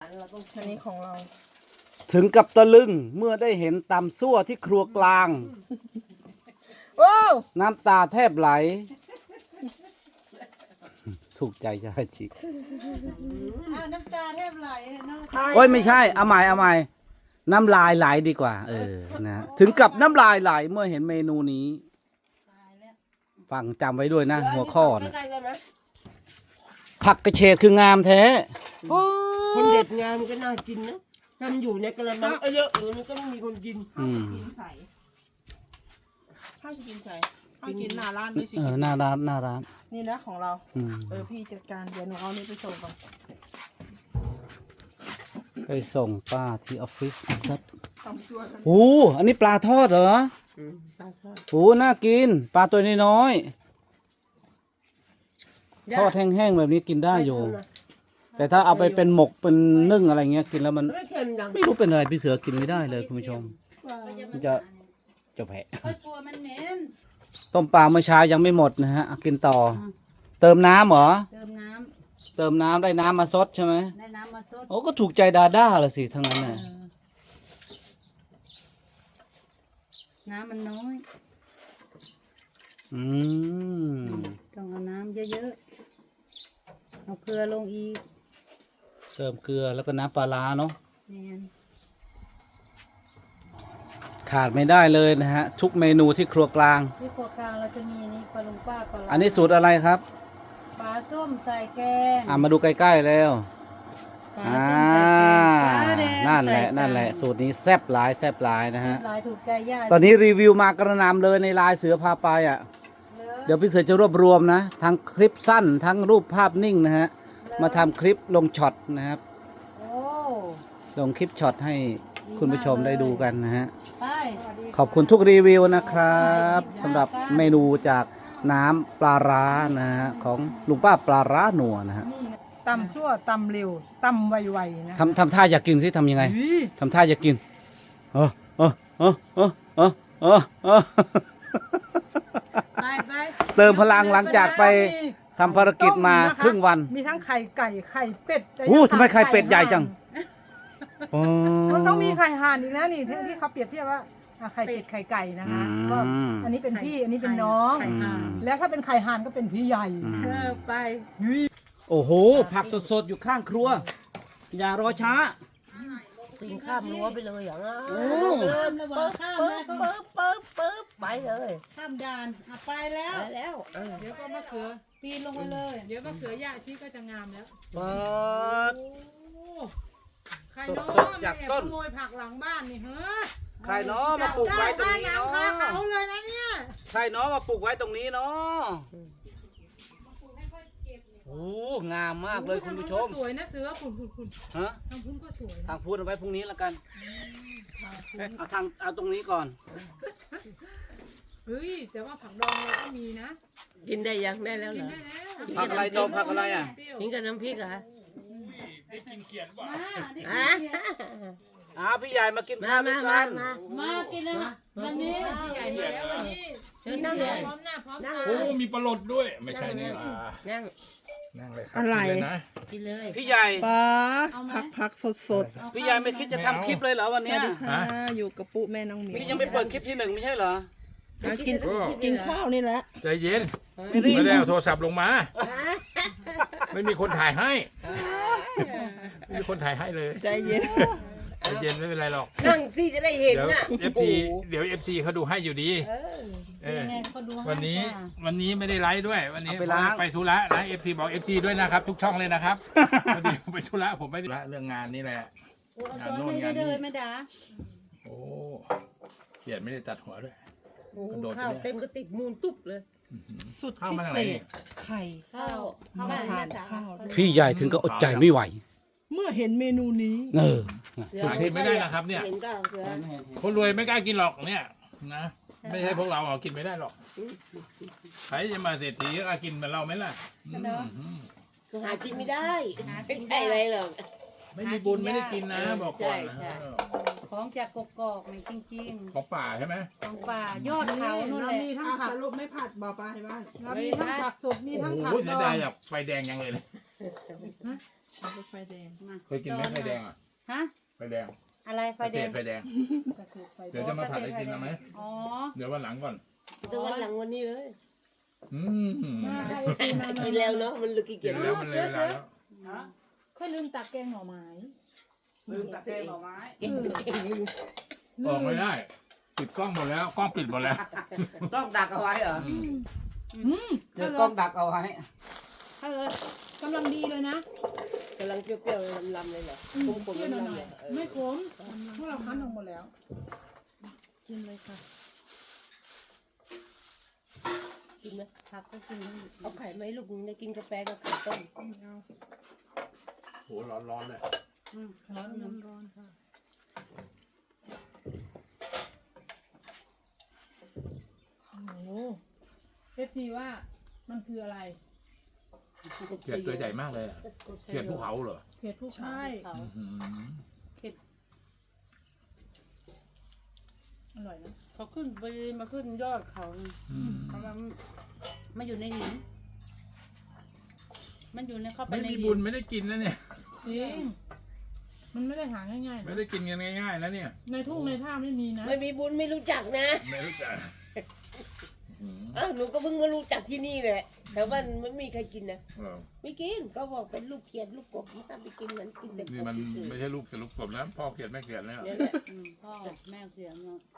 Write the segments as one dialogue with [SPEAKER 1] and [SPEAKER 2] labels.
[SPEAKER 1] เราต้อง
[SPEAKER 2] อันนี้ของเรา
[SPEAKER 3] ถึงกับตะลึงเมื่อได้เห็นตำซั่วที่ครัวกลาง
[SPEAKER 2] ว้าว
[SPEAKER 3] น้ำตาแทบไหล ถูกใจชาชิ
[SPEAKER 1] น้ำตาแทบไหลเนาะ
[SPEAKER 3] โอ้ยไม่ใช่เอาใหม่เอาใหม่น้ำลายไหลดีกว่า นะถึงกับน้ำลายไหลเมื่อเห็นเมนูนี้
[SPEAKER 1] ตายแล้ว
[SPEAKER 3] ฟังจำไว้ด้วยนะ หัวข้อนะ
[SPEAKER 2] ใกล้ๆกันไหม
[SPEAKER 3] ผักกระเฉดคืองามแท้โอ้
[SPEAKER 4] คนเด็ดงามก็น่ากินนะถ้ามันอยู่ในกระมังเยอะอย่างนี้ก็ไม่มีคนกิน
[SPEAKER 3] อืม
[SPEAKER 2] กินใส่ข้าวจะกินใส่ข้าวกินหน้าร้านด้วยสิ
[SPEAKER 3] หน้าร้านหน้าร้าน
[SPEAKER 2] นี่นะของเรา
[SPEAKER 3] อืม
[SPEAKER 2] พี่จัดการเดี๋ยวหนูเอานี่ไปส่งก่อน
[SPEAKER 3] ไปส่งป้าที่ออฟฟิศนะครับ
[SPEAKER 2] ทำช่วยกัน
[SPEAKER 3] โอ้อันนี้ปลาทอดเหรอ
[SPEAKER 4] ปลาทอด
[SPEAKER 3] โอ้น่ากิน ปลาตัวน้อยๆทอดแห้งๆแบบนี้กินได้อยู่ แต่ถ้าเอาไปเป็นหมกเป็นนึ่งอะไรเงี้ยกินแล้วมัน
[SPEAKER 4] ไม่เค็มจัง
[SPEAKER 3] ไม่รู้เป็นอะไรพี่เสือกินไม่ได้เลยคุณผู้ชม มันจะแผล
[SPEAKER 1] ค่อยกลัวมันเหม็น
[SPEAKER 3] ต้มปลาเมื่อเช้ายังไม่หมดนะฮะเอากินต่อ เติมน้ำเหรอ
[SPEAKER 1] เติมน้
[SPEAKER 3] เติมน้ำได้น้ำมาซดใช่ไหม
[SPEAKER 1] ำได้น้ำมาซด
[SPEAKER 3] โอ้ก็ถูกใจดาด้าละสิทั้งนั้นน่ะ
[SPEAKER 1] น้ำมันน้อย
[SPEAKER 3] อืม
[SPEAKER 1] ต้องเอาน้ำเยอะๆเอาเกลือลงอีก
[SPEAKER 3] เติมเกลือแล้วก็น้ำปลาร้าเนาะ
[SPEAKER 1] เนี่ย
[SPEAKER 3] ขาดไม่ได้เลยนะฮะ ทุกเมนูที่ครัวกลาง
[SPEAKER 1] ที่ครัวกลางเราจะมีนี่ปลาลุงป้าปลาร้า
[SPEAKER 3] อันนี้สูตรอะไรครับ
[SPEAKER 1] ปลาส้มใส่แกง
[SPEAKER 3] มาดูใกล้ๆแล้ว
[SPEAKER 1] ปลา
[SPEAKER 3] อ่า
[SPEAKER 1] ส้มใส่แกงปลาแดง
[SPEAKER 3] นั่นแหละ
[SPEAKER 1] ใส่
[SPEAKER 3] นั่นแหละ
[SPEAKER 1] ไก่
[SPEAKER 3] สูตรนี้แซ่บหลายแซ่บหลายนะฮะ
[SPEAKER 1] หลายถูกใจญาติ
[SPEAKER 3] ตอนนี้รีวิวมากระหนำเลยในไลน์เสือพาไปอ่ะ เดี๋ยวพี่เสือจะรวบรวมนะ ทั้งคลิปสั้นทั้งรูปภาพนิ่งนะฮะ มาทำคลิปลงช็อตนะครับ
[SPEAKER 1] โอ้
[SPEAKER 3] ลงคลิปช็อตให้คุณผู้ชมได้ดูกันนะฮะ
[SPEAKER 1] ไป
[SPEAKER 3] ขอบคุณทุกรีวิวนะครับสำหรับเมนูจากน้ำปลาร้านะฮะของลุงป้าปลาร้าหนัวนะฮะ
[SPEAKER 5] ตำชั่วตำเร็วตำไวๆนะ
[SPEAKER 3] ทำท่าอยากกินสิทำยังไงทำท่าอยากกินเออเออเออเออเออเออเออ
[SPEAKER 1] ไปไป
[SPEAKER 3] เติมพลังหลังจากไปทำภารกิจมาครึ่งวัน
[SPEAKER 5] มีทั้งไข่ไก่ไข่เป็ด
[SPEAKER 3] โอ้ทำไมไข่เป็ดใหญ่จังอ๋อ
[SPEAKER 5] มันต้องมีไข่ห่านอีกนะนี่ที่เขาเปรียบเทียบว่าไข่เป็ดไข่ไก่นะคะก็อันนี้เป็นพี่อันนี้เป็นน้อง แล้วถ้าเป็นไข่ห่านก็เป็นพี่ใหญ่
[SPEAKER 1] ไป
[SPEAKER 3] โอ้โห ผักสดๆ อยู่ข้างครัว อย่ารอช้า
[SPEAKER 4] กินข้ามรั้วไปเลยอย่างนั้น
[SPEAKER 3] โอ้
[SPEAKER 1] เริ่มแล้วบอกข้ามแล้ว
[SPEAKER 4] ปึ๊บไปเลย
[SPEAKER 1] ข้ามด่านไปแล้ว
[SPEAKER 4] ไปแล้ว
[SPEAKER 5] เดี๋ยวก็มะเขือ
[SPEAKER 1] ปีนลงไปเลย
[SPEAKER 5] เดี๋ยวมะเขือย่าชีก็จะงามแล้ว
[SPEAKER 3] ปัด
[SPEAKER 5] ใครน้อง
[SPEAKER 3] สดๆจากต้น
[SPEAKER 5] ขโมยผักหลังบ้านนี่เฮ้อ
[SPEAKER 3] ใครเนาะมาปลูกไว้ตรงนี้
[SPEAKER 5] หนัง
[SPEAKER 3] เนาะ
[SPEAKER 5] คาเขาเลยนะเนี่ย
[SPEAKER 3] ใครเนาะมาปลูกไว้ตรงนี้เนาะโอ้งามมากเลยคุณผู้ชม
[SPEAKER 5] สวยนะเสือคุณ
[SPEAKER 3] ฮะ
[SPEAKER 5] ทางพุ่นก็สวย
[SPEAKER 3] ทางพูดเอาไว้พรุ่งนี้แล้วกันเอาตรงนี้ก่อน
[SPEAKER 5] เฮ้ยแต่ว่าผักดองเราก็มีนะ
[SPEAKER 4] กินได้ยังได้แล้วเหรอ
[SPEAKER 5] ได้แล้ว
[SPEAKER 3] ผักอะไรดองผักอะไรอ่ะ
[SPEAKER 4] กินกับน้ำพริกเหรอ
[SPEAKER 1] มาได้กินเขียด
[SPEAKER 3] พี่ใหญ่มากิน
[SPEAKER 4] มา
[SPEAKER 3] ข้าวด้
[SPEAKER 4] มา
[SPEAKER 3] วย
[SPEAKER 4] มา
[SPEAKER 3] กัน
[SPEAKER 4] มา
[SPEAKER 1] มากินเลยวันนี้
[SPEAKER 5] ใหญ่มาแล้ววันนี้
[SPEAKER 4] เชิญนั่งเลย
[SPEAKER 5] พร้อมหน้าพร้อม
[SPEAKER 4] นั่ง
[SPEAKER 5] ตา
[SPEAKER 4] เล
[SPEAKER 6] โอ้
[SPEAKER 4] ย
[SPEAKER 6] มีปลาหลดด้วย ไม่ใช่นี่ล่ะ
[SPEAKER 4] นั่ง
[SPEAKER 6] นั่งเลยครั
[SPEAKER 2] อะไร
[SPEAKER 6] กินเลยนะ
[SPEAKER 1] กินเลย
[SPEAKER 3] พี่ใหญ่
[SPEAKER 2] ปลาผักสด
[SPEAKER 3] พี่ใหญ่ไม่คิดจะทำคลิปเลยเหรอวัน
[SPEAKER 2] ๆส
[SPEAKER 3] เนี้
[SPEAKER 2] วั
[SPEAKER 3] ย
[SPEAKER 2] สดีค่ะอยู่กับปุ๊แม่น้องหมิว
[SPEAKER 3] พี่ยังไม่เปิดคลิปที่หนึ่งไม่ใช่เหรอ
[SPEAKER 2] กินข้าวนี่แหละ
[SPEAKER 6] ใจเย็น ไม่ได้เอาโทรศัพท์ลงมา ไม่มีคนถ่ายให้ ไม่มีคนถ่ายให้เลย
[SPEAKER 2] ใจเย็น
[SPEAKER 6] ใจเย็นไม่เป็นไรหรอก
[SPEAKER 4] นั่งสิจะได้เห็น
[SPEAKER 6] เดี๋ยว
[SPEAKER 4] น่ะ
[SPEAKER 6] FT เขาดูให้อยู่ดีเออ
[SPEAKER 1] ยังไงเขาดูให้
[SPEAKER 6] วันนี้ไม่ได้ไลฟ์ด้วย วันนี้
[SPEAKER 3] เอาไปล้าง
[SPEAKER 6] ไปธุระนะ FT บอก FT ด้วยนะครับ ทุกช่องเลยนะครับพอดีผมไปธุระผมไม่ได้ธุระเรื่องงานนี่แหละ
[SPEAKER 1] โอ้เอาซ้อนเลยได้เลยไม่ด่า
[SPEAKER 6] โอ้เขียนไม่ได้ตัดหัวด้วย
[SPEAKER 4] โอ้ข้าวเต็มก็ติดมูลตุ๊บเลย
[SPEAKER 2] สุด
[SPEAKER 6] ข้าว
[SPEAKER 2] พิ
[SPEAKER 6] มาจาก
[SPEAKER 2] เศ
[SPEAKER 6] ไหน
[SPEAKER 2] ษ
[SPEAKER 6] นี่
[SPEAKER 2] ไข่
[SPEAKER 1] ข้าว
[SPEAKER 2] มาทานข้าวด้วย
[SPEAKER 3] พี่ใหญ่ถึงก็อดใจไม่ไหว
[SPEAKER 2] เมื่อเห็นเมนูนี้
[SPEAKER 3] เออ
[SPEAKER 6] หากินไม่ได้นะครับเนี่ย
[SPEAKER 4] เห็นก็เสือ
[SPEAKER 6] คนรวยไม่กล้ากินหรอกเนี่ยนะไม่ใช่พวกเรากินไม่ได้หรอกใครจะมาเศรษฐีก็กินเหมือนเราไหมล่ะอืม
[SPEAKER 4] หากินไม่ได้ไม่ใช่อะไรหรอก
[SPEAKER 6] ไม่มีบุญไม่ได้กินนะบอกก่อนนะ
[SPEAKER 4] ใช่
[SPEAKER 1] ของจากกกอกนี่จริง
[SPEAKER 6] ของป่าใช่ไหม
[SPEAKER 1] ๆของป่ายอดเขานู่น
[SPEAKER 5] เรา
[SPEAKER 1] แหละ
[SPEAKER 5] มีทั้ง
[SPEAKER 2] อ่ะ
[SPEAKER 5] ผัก
[SPEAKER 2] สรุปไม่ผัดบอกปลาให้บ้าน
[SPEAKER 5] เรามีทั้งผักสดมี
[SPEAKER 6] โอ้
[SPEAKER 5] ทั้ง
[SPEAKER 6] โห
[SPEAKER 5] ผัก
[SPEAKER 6] เสี
[SPEAKER 5] ด
[SPEAKER 6] ย
[SPEAKER 5] อ
[SPEAKER 6] ดาย
[SPEAKER 5] ง
[SPEAKER 6] อยากไฟแดงยังเลย
[SPEAKER 2] เอาไปไฟแดง
[SPEAKER 1] มา
[SPEAKER 6] เคยกินไหมไฟแดงอ่ะ
[SPEAKER 1] ฮะ
[SPEAKER 6] ไฟแดง
[SPEAKER 1] อะไรไฟแดง
[SPEAKER 6] ไฟแดง เดี๋ยวจะมาผัดให้กินเอาไหม
[SPEAKER 1] อ๋อ
[SPEAKER 6] เดี๋ยววันหลังก่อน
[SPEAKER 4] แต่วันหลังวันนี้เลย
[SPEAKER 6] อืม
[SPEAKER 4] กินแล้วเนาะมันเลยขี้
[SPEAKER 6] กิ
[SPEAKER 4] เกีย
[SPEAKER 6] น
[SPEAKER 4] จ
[SPEAKER 6] แล้วมันเลยเวลาแล้ว
[SPEAKER 5] ค่อยลืมตักแกงหน่อไม้
[SPEAKER 3] ลืมตะเกียบหน่อไม้
[SPEAKER 6] ออกไม่ได้ปิดกล้องหมดแล้วกล้องปิดหมดแล้ว
[SPEAKER 3] กล้องดักเอาไว้เหรอ
[SPEAKER 6] อืม
[SPEAKER 3] เดี๋ยวกล้องดักเอาไว้
[SPEAKER 5] ถ้าเลยกำลังดีเลยนะ
[SPEAKER 4] กำลังเปรี้ยวๆลำๆเลยเหรอผม
[SPEAKER 5] เปรี้ยวห
[SPEAKER 4] ลำๆ
[SPEAKER 5] น่อ
[SPEAKER 4] เลย ย
[SPEAKER 5] ๆไม่ขมพวกเราคั้นออกหมดแล้ว
[SPEAKER 2] กินเลยค่ะ
[SPEAKER 4] กินไหม
[SPEAKER 1] ผักก็กิน
[SPEAKER 4] เอาไข่ไหมลูกนึงได้กินกาแฟกับไข่ต้ม
[SPEAKER 6] โหร้อนๆเลย
[SPEAKER 5] ร้อนน้ำร้อนค่ะโอ้โหFCว่ามันคืออะไร
[SPEAKER 6] เขียดตัวใหญ่มากเลยอะเขียดภูเขาเหรอ
[SPEAKER 5] เผ็ดผู้
[SPEAKER 2] ใช่
[SPEAKER 6] อื้อหือ
[SPEAKER 5] อร่อยนะ
[SPEAKER 1] เขาขึ้นไปมาขึ้นยอดเขา
[SPEAKER 6] อืม
[SPEAKER 1] เขามาอยู่ในหินมันอยู่ในเข้าไป
[SPEAKER 6] ไม่
[SPEAKER 1] ใน
[SPEAKER 6] มี
[SPEAKER 1] หิ
[SPEAKER 6] บุญ
[SPEAKER 1] น
[SPEAKER 6] ไม่ได้กินนะเนี่ย
[SPEAKER 5] จริงมันไม่ได้หาง่ายๆ
[SPEAKER 6] ไม่
[SPEAKER 5] นะ
[SPEAKER 6] ได้กินกันง่ายๆนะเนี่ย
[SPEAKER 5] ในทุ่งในท่าไม่มีนะ
[SPEAKER 4] ไม่มีบุญไม่รู้จักนะ
[SPEAKER 6] ไม่รู้จักอืม
[SPEAKER 4] อ้าวหนูก็เพิ่งมารู้จักที่นี่แหละแต่ว่าไม่มีใครกินนะ
[SPEAKER 6] เหรอ
[SPEAKER 4] ไม่กินก็บอกเป็นลูกเขียดลูกกบไม่ทำไปกินมันกินแต่ก
[SPEAKER 6] นี่
[SPEAKER 4] บ
[SPEAKER 6] มัน
[SPEAKER 4] เฉย
[SPEAKER 6] ไม่ใช่ลูกเขียดลูกกบนะพ่อเขียดแม่เขียดแล้ว
[SPEAKER 4] ๆเนี่ยแหละ
[SPEAKER 1] พ่อแม่เสียเนาะ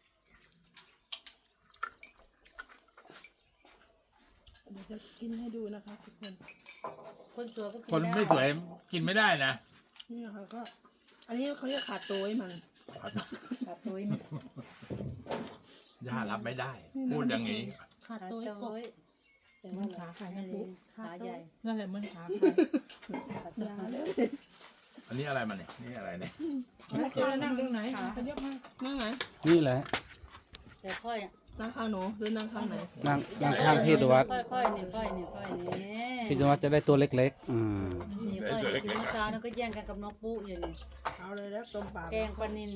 [SPEAKER 2] เดี๋ยวจะกินให้ดูนะคะทุกคน
[SPEAKER 1] คนสวยก็กิน
[SPEAKER 6] คน
[SPEAKER 1] ด้
[SPEAKER 6] ไม่สวยกินไม่ได้นะ
[SPEAKER 2] นี่นะคะก็ อันนี้เขาเรียกขาโต้ยมัน
[SPEAKER 1] ขาตุ้ยมัน
[SPEAKER 6] ย่ารับไม่ได้ พูดอย่างนี้
[SPEAKER 2] ขา
[SPEAKER 1] ขา
[SPEAKER 2] โต้ยกบ
[SPEAKER 1] ตุ้ย
[SPEAKER 5] แต่ว่าขาไข่
[SPEAKER 1] นั่
[SPEAKER 5] นะ
[SPEAKER 1] นเอ
[SPEAKER 5] ปุ๊
[SPEAKER 1] งขาใหญ่
[SPEAKER 5] นั่นแหละเหมันขาไข่
[SPEAKER 2] อย่าเลย
[SPEAKER 6] อันนี้อะไรมันเนี่ยนี่อะไรเนี่ย
[SPEAKER 5] เจอแล้วนั่งตรงไหนขยับมา
[SPEAKER 2] นั่งไหน
[SPEAKER 3] นี่แหละ
[SPEAKER 1] แต่ค่อย
[SPEAKER 2] นั่งข้างหนูหรือนั่งข้างไหน
[SPEAKER 3] นั่งข้างพี่ดวัด
[SPEAKER 1] ค่อยเนี่ยค่อยเนี่ยค่อยเนี่ย
[SPEAKER 3] พี่ดวัดจะได้ตัวเล็กๆ
[SPEAKER 1] นี่ค่อยกินเมื่อเช้านั่นก็แย่งกันกับน้องปุ๊อยู่นี่
[SPEAKER 2] เอาเลยแล้วต้มปลา
[SPEAKER 1] แกงปลานิล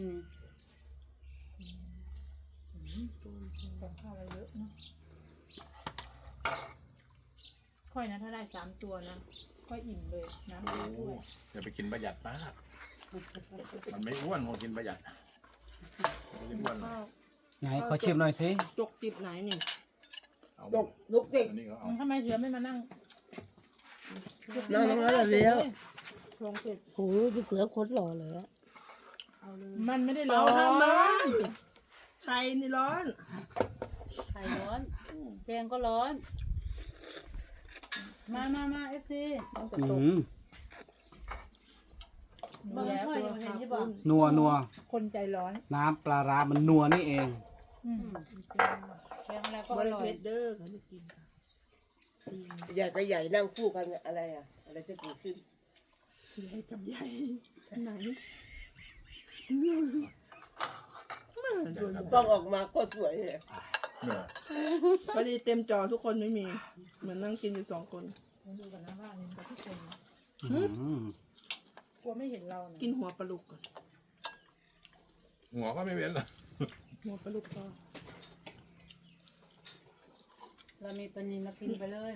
[SPEAKER 5] กับข้าวอะไรเยอะเนาะค่อยนะถ้าได้3 ตัวนะค่อยอิ่มเลยน้ำด้วย
[SPEAKER 6] อย่าไปกินประหยัดมาก มันไม่อ้วนคนกินประหยัดไม่ได้อ้วน
[SPEAKER 2] ข้าว
[SPEAKER 3] ไหนขอชิมหน่อยสิ
[SPEAKER 2] จกจิบไหนนี่
[SPEAKER 6] เอา
[SPEAKER 4] ลูกเด็ก
[SPEAKER 6] อันนี้ก็เอา
[SPEAKER 5] ทำไมเสือไม่มานั่ง
[SPEAKER 4] นั่งตรงนั้นเลยแล้ว
[SPEAKER 2] ลองเสร็จ
[SPEAKER 4] โอ้ยพี่เสือโคตรหล่อเลยอะ
[SPEAKER 2] เอาเลย
[SPEAKER 5] มันไม่ได้
[SPEAKER 2] เป
[SPEAKER 5] ร้
[SPEAKER 2] ล่า
[SPEAKER 5] อน
[SPEAKER 2] ทำมาไข่นี่ร้อน
[SPEAKER 1] ไข่ร้อนแกงก็ร้อน มาเอฟซี
[SPEAKER 3] อืม
[SPEAKER 1] บาง
[SPEAKER 5] แล้ว
[SPEAKER 1] ค่อยยังเห็นที่บอก
[SPEAKER 3] นัว
[SPEAKER 5] คนใจร้อน
[SPEAKER 3] น้ำปลาร้ามันนัวนี่เอง
[SPEAKER 1] แกงอะไรก็
[SPEAKER 2] บ
[SPEAKER 1] อ
[SPEAKER 2] ริ
[SPEAKER 1] ร่อ
[SPEAKER 2] เพ
[SPEAKER 1] ย
[SPEAKER 2] ชรเด้อเขาได้กินค่ะซีน
[SPEAKER 4] ใหญ่กับใหญ่นั่งคู่กันอะไรอะอะไรจะเกิดขึ้น
[SPEAKER 2] ใหญ่กับใหญ่ไหนโดน
[SPEAKER 4] ต้องออกมาก็สวยเลย
[SPEAKER 6] เนี่ย
[SPEAKER 2] พอดีเต็มจอทุกคนไม่มี เหมือนนั่งกินอยู่2 คน
[SPEAKER 5] ดูกันนะว่ามันกับทุกคนนะ
[SPEAKER 3] อืม
[SPEAKER 5] กลัวไม่เห็นเรานะ
[SPEAKER 2] กินหัวปลาลุกก่อน
[SPEAKER 6] หัวก็ไม่เว้นเลย
[SPEAKER 2] หัวปลาลุกก็
[SPEAKER 1] เรามีปลานิลเรากินไปเลย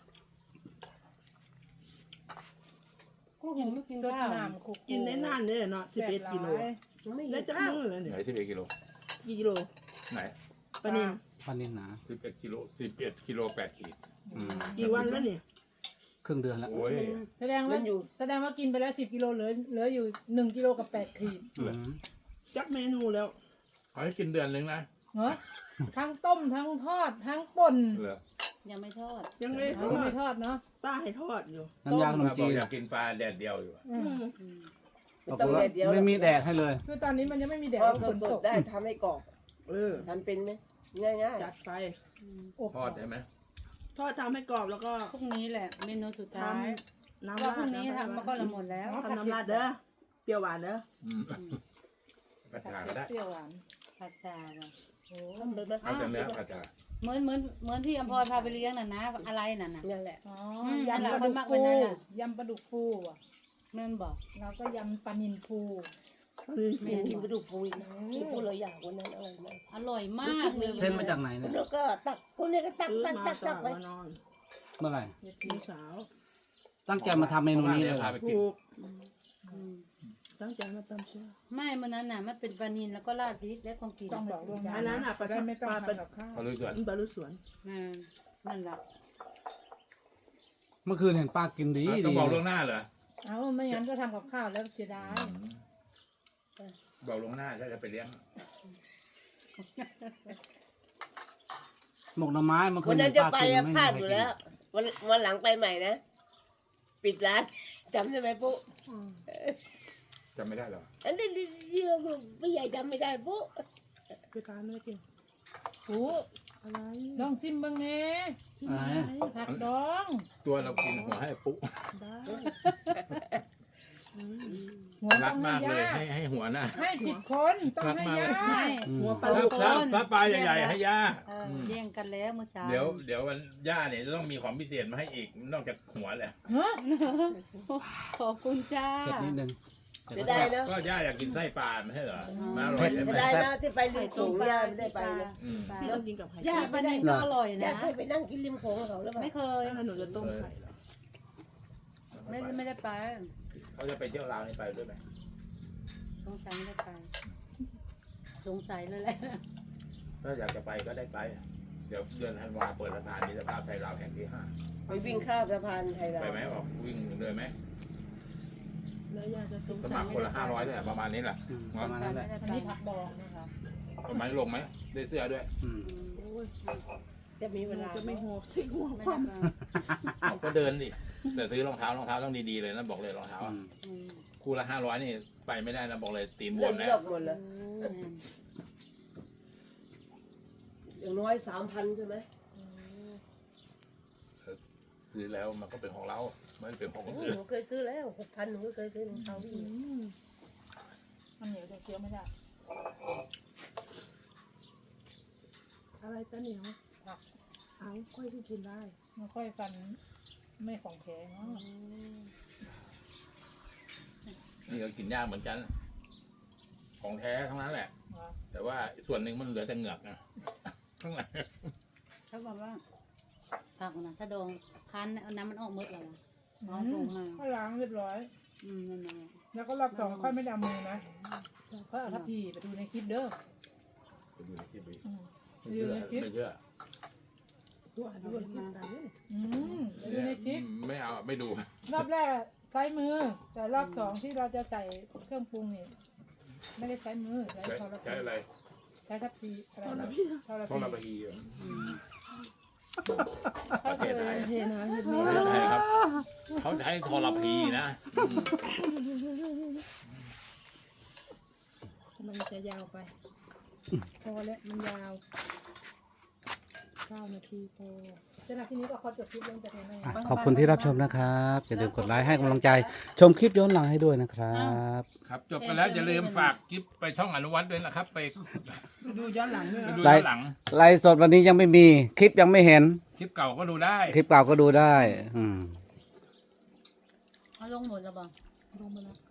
[SPEAKER 1] พวกหนูไม่กิน
[SPEAKER 5] รด
[SPEAKER 1] ข้าว
[SPEAKER 5] น้ำคุก
[SPEAKER 2] กินได้นานเลยเนาะ11 กิโล
[SPEAKER 4] ไม่
[SPEAKER 2] ได้
[SPEAKER 4] ได้
[SPEAKER 2] จักมือเลย
[SPEAKER 6] ไหน
[SPEAKER 2] เนี่ย
[SPEAKER 6] 11 กิโล
[SPEAKER 2] กี่กิโล
[SPEAKER 6] ไหน
[SPEAKER 2] ปลานิล
[SPEAKER 3] ปันนินหนา
[SPEAKER 6] 11 กิโล11 กิโล 8 ขีด
[SPEAKER 2] กี่วันแล้วเนี่ย
[SPEAKER 3] ครึ่งเดือนแล้ว
[SPEAKER 6] โอ้ย
[SPEAKER 5] แสดงว่ากินไปแล้ว10 กิโลเหลืออยู่1 กิโลกับ8 ขีด
[SPEAKER 3] อืม
[SPEAKER 2] จักเมนูแล้ว
[SPEAKER 6] เขาให้กินเดือนนึงนะ
[SPEAKER 5] เหรอทั้งต้มทั้งทอดทั้งป่น
[SPEAKER 6] เหรอ
[SPEAKER 1] ยังไม่ทอด
[SPEAKER 2] ยังไม่ท
[SPEAKER 5] เอา
[SPEAKER 2] อ
[SPEAKER 5] ไม่
[SPEAKER 2] ด
[SPEAKER 5] ทอดเนาะ
[SPEAKER 2] ป้าให้ทอดอยู่
[SPEAKER 3] น้ำยาขนม
[SPEAKER 6] บอ
[SPEAKER 3] จี
[SPEAKER 6] ก
[SPEAKER 3] น
[SPEAKER 6] อยากกินปลาแดดเดียวอยู่อะ
[SPEAKER 5] อืม
[SPEAKER 3] ปรากฏว่าไม่มีแดดให้เลย
[SPEAKER 5] คือตอนนี้มันยังไม่มีแดด
[SPEAKER 4] ทอด
[SPEAKER 5] ฝน
[SPEAKER 4] ส
[SPEAKER 5] ต
[SPEAKER 4] ด
[SPEAKER 5] ก
[SPEAKER 4] ๆได้ทำให้กรอบ
[SPEAKER 2] เออ
[SPEAKER 4] ทำเป็นไหมง่าย
[SPEAKER 2] จัดไป
[SPEAKER 5] อบ
[SPEAKER 6] ทอดได้ไหม
[SPEAKER 2] ทอดทำให้กรอบแล้วก็
[SPEAKER 1] พรุ่งนี้แหละเมนูสุด
[SPEAKER 2] ท
[SPEAKER 1] ท้าย
[SPEAKER 2] ำน้ำ
[SPEAKER 1] ว่า
[SPEAKER 2] ราด
[SPEAKER 1] พรุ่งนี้ทำมาก็ละหมดแล้ว
[SPEAKER 2] ทำน้ำราดเด้อ เปรี้ยวหวานเด้อ
[SPEAKER 6] อืมกระชาก็ได้
[SPEAKER 5] เปรี้ยวหวาน
[SPEAKER 1] ผัดชาน่ะ
[SPEAKER 5] โอ้
[SPEAKER 4] ๆทำเลยไหม
[SPEAKER 6] เอาแต่เนื้อกระชา
[SPEAKER 1] เหมือนที่อภรพาไปเลี้ยงน่ะนะอะไรน่ะนะ
[SPEAKER 4] นั่นแหละ
[SPEAKER 5] อ๋อ
[SPEAKER 1] ม
[SPEAKER 5] ยำปลา
[SPEAKER 1] นั่
[SPEAKER 5] ดุ
[SPEAKER 1] นแหละ
[SPEAKER 5] ก
[SPEAKER 1] คนมากกว่า
[SPEAKER 5] ฟู
[SPEAKER 1] นั้นน่ะ
[SPEAKER 5] ยำปลาดุกฟูอ่ะ
[SPEAKER 1] แม่นบอก
[SPEAKER 5] แล้วก็ยำปลานิลฟู
[SPEAKER 4] ไม่กินกระดูกฟูอีกนะกินพูดเลยอยากวันนั้นอะไรนะ
[SPEAKER 1] อร่อยมากเลย
[SPEAKER 3] เส้นมาจากไหนเนี่ย
[SPEAKER 4] แล้วก็ตักคนนี้ก็ตัก
[SPEAKER 2] ซื้อ
[SPEAKER 4] ตัก
[SPEAKER 2] มา
[SPEAKER 4] ตัก
[SPEAKER 2] ต
[SPEAKER 4] ตั
[SPEAKER 2] อก น
[SPEAKER 4] ไป
[SPEAKER 2] มานอน
[SPEAKER 3] เมื่อไหร่
[SPEAKER 2] พี่สาว
[SPEAKER 3] ตั้งใจมาทำเมนูนี้เลย
[SPEAKER 6] พาไปกิน
[SPEAKER 2] ถูก
[SPEAKER 1] อืม
[SPEAKER 2] ตั้งใจมาตำเชื่อ
[SPEAKER 1] ไม่มันนั้นน่ะมันเป็นปลานิลแล้วก็ราดพริกและของกิน
[SPEAKER 5] ต้องบอกล่วงหน้า
[SPEAKER 2] อันนั้นอ่ะปลา
[SPEAKER 5] ได้ไม่ต้อง
[SPEAKER 2] ปลา
[SPEAKER 5] ทำกับข้าว
[SPEAKER 6] เขารู้ส่วน
[SPEAKER 2] ปลาลูกสวน
[SPEAKER 1] นั่นแหละ
[SPEAKER 3] เมื่อคืนเห็นป้ากินดี
[SPEAKER 6] ต้อง
[SPEAKER 3] ดี
[SPEAKER 6] บอกล่วงหน้าเหรอ
[SPEAKER 5] เอาไม่งั้นก็ทำกับข้าวแล้วเสียดาย
[SPEAKER 6] บอกล่วงหน้าถ้าจะไปเลี้ยง
[SPEAKER 3] หมกหน่อไม้เมื่อคื
[SPEAKER 4] วัน นนั้
[SPEAKER 3] เห็
[SPEAKER 4] น
[SPEAKER 3] น
[SPEAKER 4] จะ
[SPEAKER 3] ป้า
[SPEAKER 4] ไป
[SPEAKER 3] กิน
[SPEAKER 4] อะ
[SPEAKER 3] ไม่
[SPEAKER 4] พลาด
[SPEAKER 3] มี
[SPEAKER 4] อยู่
[SPEAKER 3] ใคร
[SPEAKER 4] แล้ว วันหลังไปใหม่นะ ปิดร้านจำได้ไหมปุ๊
[SPEAKER 6] จำไม่ได้หรอ
[SPEAKER 4] อันนี้ที่เราไม่ใหญ่จำไม่ได้ปุ๊
[SPEAKER 2] คือการไม่ได้กิน
[SPEAKER 5] โอ้
[SPEAKER 2] อะไร
[SPEAKER 5] ลองชิมบ้างแน่ชิม
[SPEAKER 3] อะไร
[SPEAKER 5] ผักดอง
[SPEAKER 6] ตัวเรากินหัวให้ปุ๊
[SPEAKER 2] ได้
[SPEAKER 5] หัว
[SPEAKER 6] รั
[SPEAKER 5] ต้
[SPEAKER 6] ก
[SPEAKER 5] องให้
[SPEAKER 6] มากเลย
[SPEAKER 5] ย่า
[SPEAKER 6] ให้หัวหน้า
[SPEAKER 5] ให้ผิดคนต้องให้ย่า
[SPEAKER 3] อืม
[SPEAKER 2] หัวปลา
[SPEAKER 6] แล้
[SPEAKER 2] ลู
[SPEAKER 6] ว
[SPEAKER 2] ก
[SPEAKER 6] ถ้าปลาใหญ่ๆให้ย่า
[SPEAKER 1] แย่งกันแล้วเมื่อเช้า
[SPEAKER 6] เดี๋ยววันย่าเนี่ยจะต้องมีของพิเศษมาให้อีกนอกจากหัวแหละ
[SPEAKER 5] ฮะ
[SPEAKER 1] ขอบคุณจ้า
[SPEAKER 3] เผ็ดนิดนึง
[SPEAKER 4] จะได้เนาะ
[SPEAKER 6] ก็ย่าอยากกินไส้ปลาไม่ใช่เหรอมาอร่อยใช่ไหม
[SPEAKER 4] จะได้เนาะที่ไปริมโขงย่าไม่ได้ไปนะ
[SPEAKER 6] อืม
[SPEAKER 2] พี่ต้องกินกับไข่
[SPEAKER 1] ย่าปลานิลก็อร่อย
[SPEAKER 4] อยา
[SPEAKER 1] นะ
[SPEAKER 4] กให้ไปนั่งกินริมโขงกับเขาแล้ว
[SPEAKER 1] ไม่
[SPEAKER 4] เปล่า
[SPEAKER 1] เคย
[SPEAKER 2] แล้วหนูจะต้มไข่เหรอ
[SPEAKER 1] ไม่ได้ไป
[SPEAKER 6] เขาจะไปเที่ยวลาวนี่ไปด้วยไหม
[SPEAKER 1] สงสัยไม่ได้ไปสงสัยเลยแหละ
[SPEAKER 6] ถ้าอยากจะไปก็ได้ไป เดี๋ยวเดือนธันวาเปิดสะพานมิตรภาพไทยลาวแห่งที่
[SPEAKER 4] ไปวิ่งข้ามสะพานไทย
[SPEAKER 6] 5
[SPEAKER 4] ลา
[SPEAKER 6] ไป
[SPEAKER 4] ว
[SPEAKER 6] ไหมออกวิ่งเลยไหม
[SPEAKER 2] แล้วยาจะต้ม
[SPEAKER 6] สมัครคนละ500เนี่ยประมาณนี้แหละ
[SPEAKER 3] อืมประมาณนั้นแหละ
[SPEAKER 5] อันนี้ผักดองนะคะ
[SPEAKER 6] ประมาณลงไหมได้เสื้อด้วย
[SPEAKER 3] อืม
[SPEAKER 2] โอ้ย
[SPEAKER 4] จะมี
[SPEAKER 2] ห
[SPEAKER 4] เว
[SPEAKER 2] นู
[SPEAKER 4] ลา
[SPEAKER 2] จะไม่หัวสิหัว
[SPEAKER 1] ไม่
[SPEAKER 2] ค
[SPEAKER 1] ได้
[SPEAKER 2] วาม
[SPEAKER 1] ไป
[SPEAKER 6] ก็เดินดิแต่ซื้อรองเท้ต้องดีๆเลยนะบอกเลยรองเท้า
[SPEAKER 3] อื
[SPEAKER 6] อะ
[SPEAKER 3] ม
[SPEAKER 1] อืม
[SPEAKER 6] คู่ละ500นี่ไปไม่ได้นะบอกเลยตีนบ
[SPEAKER 4] เล่
[SPEAKER 6] วน ม
[SPEAKER 4] ด
[SPEAKER 6] แล้
[SPEAKER 4] อ
[SPEAKER 6] ว
[SPEAKER 4] กหมดเลย
[SPEAKER 1] อืม
[SPEAKER 4] อย่างน้อย3,000ใช่ไหม
[SPEAKER 6] ซื้อแล้วมันก็เป็นของเราไม่ได้เป็นของคน
[SPEAKER 4] ห
[SPEAKER 6] อื่น
[SPEAKER 4] นูเคยซื้อแล้ว6,000หนูก็เคยซื้อของเขาวิ่ง
[SPEAKER 5] มันเหนียวจะเคี้ยวไม่ได้
[SPEAKER 2] อะไรตะเหนียวเอาค่อยที่กินได้
[SPEAKER 5] ไม่ค่อยฟันไม่ของแข็งเนาะ
[SPEAKER 6] นี่ก็กินยากเหมือนกัน ของแท้ทั้งนั้นแหละ
[SPEAKER 5] เหรอ
[SPEAKER 6] แต่ว่าส่วนหนึ่งมันเหลือแต่เหงือกนะข้างหลัง
[SPEAKER 1] เขาบอกว่าผักนะถ้าดองคั้นเอาน้ำมันออกหมดแล้วนะน้อง
[SPEAKER 5] อื
[SPEAKER 1] ปรุ
[SPEAKER 5] ม
[SPEAKER 1] งมา
[SPEAKER 5] ก็ล้างเรียบร้อย
[SPEAKER 1] นั่นแหละ
[SPEAKER 5] แล้วก็รอบสองค่อยไม่ได้เอามือนะค่อยเอาทัพพีไปดูในคลิปเด้อ
[SPEAKER 6] ไปดูในคลิปดิ
[SPEAKER 5] อืม
[SPEAKER 6] ไม่เชื่อไม่เชื่อ
[SPEAKER 2] ตัวด้วยกินได้เนี่ย
[SPEAKER 5] ไปดูในคลิป
[SPEAKER 6] ไม่เอาไม่ดู
[SPEAKER 5] รอบแรกใช้มือ แต่รอบสองที่เราจะใส่เครื่องปรุงนี่ไม่ได้ใช้มือใช้
[SPEAKER 6] ใช้
[SPEAKER 5] โทร
[SPEAKER 6] ใช้อะไร
[SPEAKER 5] ใช้ทัพพีอะไรนะโทร
[SPEAKER 6] ท่อระ
[SPEAKER 5] พี
[SPEAKER 6] บายอะ
[SPEAKER 1] เขา
[SPEAKER 6] ประ
[SPEAKER 1] เค
[SPEAKER 6] เทศไท
[SPEAKER 1] ย
[SPEAKER 6] ย
[SPEAKER 2] เห็นนะเห็น
[SPEAKER 6] ป
[SPEAKER 2] ไหม
[SPEAKER 6] ระเทศไทยครับเขาใช้ทรพีนะอืม
[SPEAKER 2] มันจะยาวไปพอแล้วมันยาว9 นาทีพอ
[SPEAKER 5] สำหรับที่นี้ก็ขอจบคลิปลงแต่เพียงเท่านี้
[SPEAKER 3] อ่ะขอบคุณที่รับชมนะครับอย่าลืมกดไลค์ให้กำลังใจ ชมคลิปย้อนหลังให้ด้วยนะครับ
[SPEAKER 6] ครับจบไปแล้วอย่าลืมฝากคลิปไปช่องอนุวัฒน์ด้วยนะครับ ไป
[SPEAKER 2] ดูย้อนหลังด้วย
[SPEAKER 6] ไป
[SPEAKER 2] นะ
[SPEAKER 6] ดูย้อนหลัง
[SPEAKER 3] ไลฟ์สดวันนี้ยังไม่มีคลิปยังไม่เห็น
[SPEAKER 6] คลิปเก่าก็ดูได้
[SPEAKER 3] คลิปเก่าก็ดูได้ อืม
[SPEAKER 1] เขาลงหมดแล้วบอก
[SPEAKER 2] ลงมาแล้ว